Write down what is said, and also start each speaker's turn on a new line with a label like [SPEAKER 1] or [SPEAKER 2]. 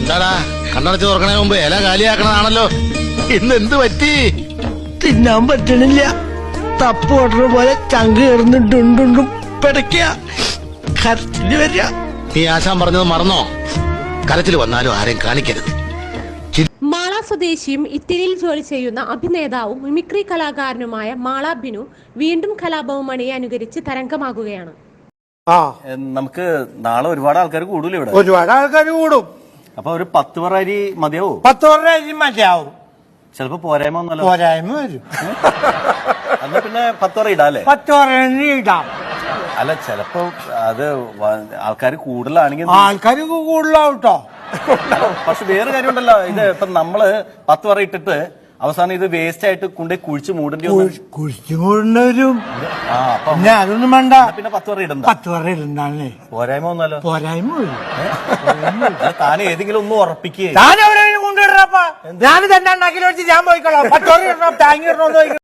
[SPEAKER 1] എന്താടാ കണ്ണടച്ച് തുറക്കണേ മുമ്പ് ഇല കാലിയാക്കണതാണല്ലോ. ഇന്ന് എന്ത് പറ്റി?
[SPEAKER 2] തിന്നാൻ പറ്റണില്ല. തപ്പ് ഓർഡർ പോലെ ചങ്ക് കയറുന്നുണ്ടുണ്ടുണ്ടും പിടയ്ക്ക കരച്ചില് വരിക.
[SPEAKER 1] നീ ആശാൻ പറഞ്ഞത് മറന്നോ? കരച്ചിൽ വന്നാലും ആരെയും കാണിക്കരുത്.
[SPEAKER 3] മാള സ്വദേശിയും ഇറ്റലിയിൽ ജോലി ചെയ്യുന്ന അഭിനേതാവും മിമിക്രി കലാകാരനുമായ മാള ബിനു വീണ്ടും കലാഭവൻ മണിയെ അനുകരിച്ച് തരംഗമാകുകയാണ്.
[SPEAKER 4] നമുക്ക് നാളെ ഒരുപാട് ആൾക്കാർ കൂടൂല ഇവിടെ.
[SPEAKER 2] ഒരുപാട് ആൾക്കാർ കൂടും.
[SPEAKER 4] അപ്പൊ ഒരു 10 പറ അരി മതിയാവോ?
[SPEAKER 2] 10 പറ അരി മതിയാവും.
[SPEAKER 4] ചിലപ്പോ പോരായ്മ ഒന്നല്ലോ.
[SPEAKER 2] പോരായ്മ വരും.
[SPEAKER 4] എന്നാ പിന്നെ 10 പറ ഇടാല്ലേ?
[SPEAKER 2] 10 പറ ഇടാം.
[SPEAKER 4] അല്ല ചിലപ്പോ അത് ആൾക്കാർ കൂടുതലാണെങ്കിൽ
[SPEAKER 2] ആൾക്കാർ കൂടുതലാവും കേട്ടോ.
[SPEAKER 4] പക്ഷെ വേറെ കാര്യമുണ്ടല്ലോ, ഇത് ഇപ്പൊ നമ്മള് 10 പറ ഇട്ടിട്ട് അവസാനം ഇത് വേസ്റ്റ് ആയിട്ട് കൊണ്ടേ കുഴിച്ച് മൂടേണ്ടി
[SPEAKER 2] കുഴിച്ചു മൂടേണ്ടവരും. പിന്നെ അതൊന്നും വേണ്ട.
[SPEAKER 4] പിന്നെ 10 പറ ഇടണ്ട.
[SPEAKER 2] 10 പറ ഇടണ്ടാന്നേ.
[SPEAKER 4] പോരായ്മ ഒന്നല്ലോ.
[SPEAKER 2] പോരായ്മ വരും.
[SPEAKER 4] താൻ ഏതെങ്കിലും ഒന്നും ഉറപ്പിക്കുക.
[SPEAKER 2] ഞാൻ എവിടെയും കൊണ്ടുവിടറപ്പാ. ഞാൻ തന്നെ ഉണ്ടാക്കി വെച്ച് ഞാൻ പോയിക്കോളാം. 10 പറ ഇടണം, താങ്ങി ഇടണമെന്ന്